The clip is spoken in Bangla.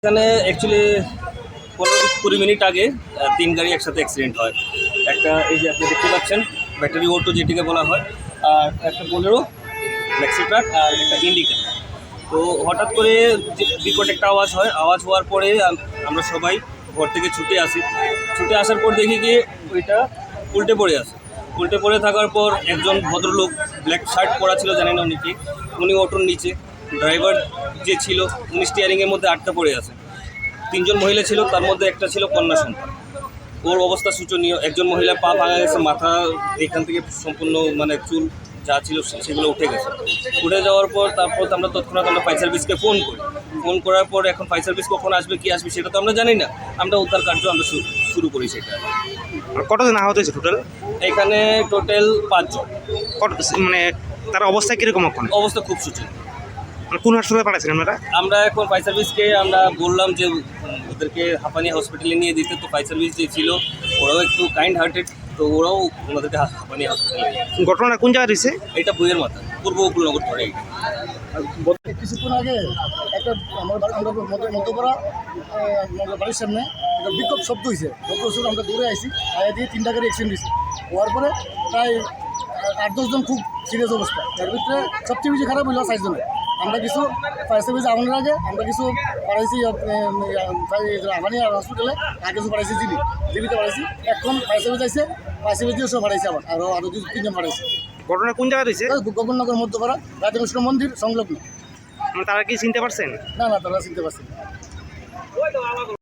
এখানে অ্যাকচুয়ালি 15-20 মিনিট আগে 3 গাড়ি একসাথে অ্যাক্সিডেন্ট হয়। একটা এই যে আপনি দেখতে পাচ্ছেন ব্যাটারি অটো যেটিকে বলা হয়, আর একটা বোলেরো ম্যাক্সি ট্রাক আর একটা ইন্ডিকা। তো হঠাৎ করে যে বিকট একটা আওয়াজ হয়, আওয়াজ হওয়ার পরে আমরা সবাই ঘর থেকে ছুটে আসি। ছুটে আসার পর দেখি কি ওইটা উল্টে পড়ে আছে। উল্টে পড়ে থাকার পর একজন ভদ্রলোক ব্ল্যাক শার্ট পরা ছিল, জানি না উনি কি, উনি অটোর নিচে, ড্রাইভার যে ছিল উনি স্টিয়ারিংয়ের মধ্যে আটকা পড়ে আছে। 3 জন মহিলা ছিল, তার মধ্যে একটা ছিল কন্যা সন্তান। ওর অবস্থা শোচনীয়। একজন মহিলার পা ভাঙা গেছে, মাথা এখান থেকে সম্পূর্ণ মানে চুল যা ছিল সেগুলো উঠে গেছে। উঠে যাওয়ার পর তারপর আমরা তৎক্ষণাৎ আমরা ফায়ার সার্ভিসকে ফোন করি। ফোন করার পর এখন ফায়ার সার্ভিস কখন আসবে কি আসবে সেটা তো আমরা জানি না। আমরা উদ্ধার কার্য আমরা শুরু করি সেটা। আর কতজন আহত হয়েছে টোটাল? এখানে টোটাল 5 জন। কত মানে তার অবস্থা কীরকম এখন? অবস্থা খুব শোচনীয়। মানে কোন হাসপাতালে পাঠাচ্ছেন আপনারা? আমরা এখন ফায়ার সার্ভিসকে আমরা বললাম যে ওদেরকে হাঁপানিয়া হসপিটালে নিয়ে দিতে। তো ফায়ার সার্ভিস যে ছিল ওরাও একটু কাইন্ড হার্টেড, তো ওরাও ওনাদেরকে হাঁপানিয়া হসপিটালে নিয়ে গেছে। ঘটনাটা কোন জায়গায় রয়েছে? এটা বইয়ের মাথা, পূর্ব উপকূলনগর ধরে। কিছুক্ষণ আগে একটা আমরা মধ্যপাড়া আমাদের বাড়ির সামনে একটা বিক্ষোভ শব্দ হয়েছে। শব্দ আমরা দৌড়ে আসি, আগে দিয়ে 3টা গাড়ি অ্যাক্সিডেন্ট হয়েছে। হওয়ার পরে প্রায় 8-10 জন খুব সিরিয়াস অবস্থা। এর ভিতরে সবচেয়ে বেশি খারাপ হইল 4 জনের। আমরা কিছু ফায়ার সার্ভিস আগুনের আগে আমরা কিছু পাঠাইছি হাঁপানিয়া হসপিটালে, আর কিছু পাঠাইছি জিবিতে পাঠাইছি। এখন ফায়ার সার্ভিস আইসে, ফায়ার সার্ভিস দিয়ে সব পাঠাইছে আরও 3 জন পাঠাইছে। ঘটনা কোন জায়গায় রয়েছে? গগননগর মধ্যপাড়া রাধাকৃষ্ণ মন্দির সংলগ্ন। মানে তারা কি চিনতে পারছেন? না তারা চিনতে পারছি না।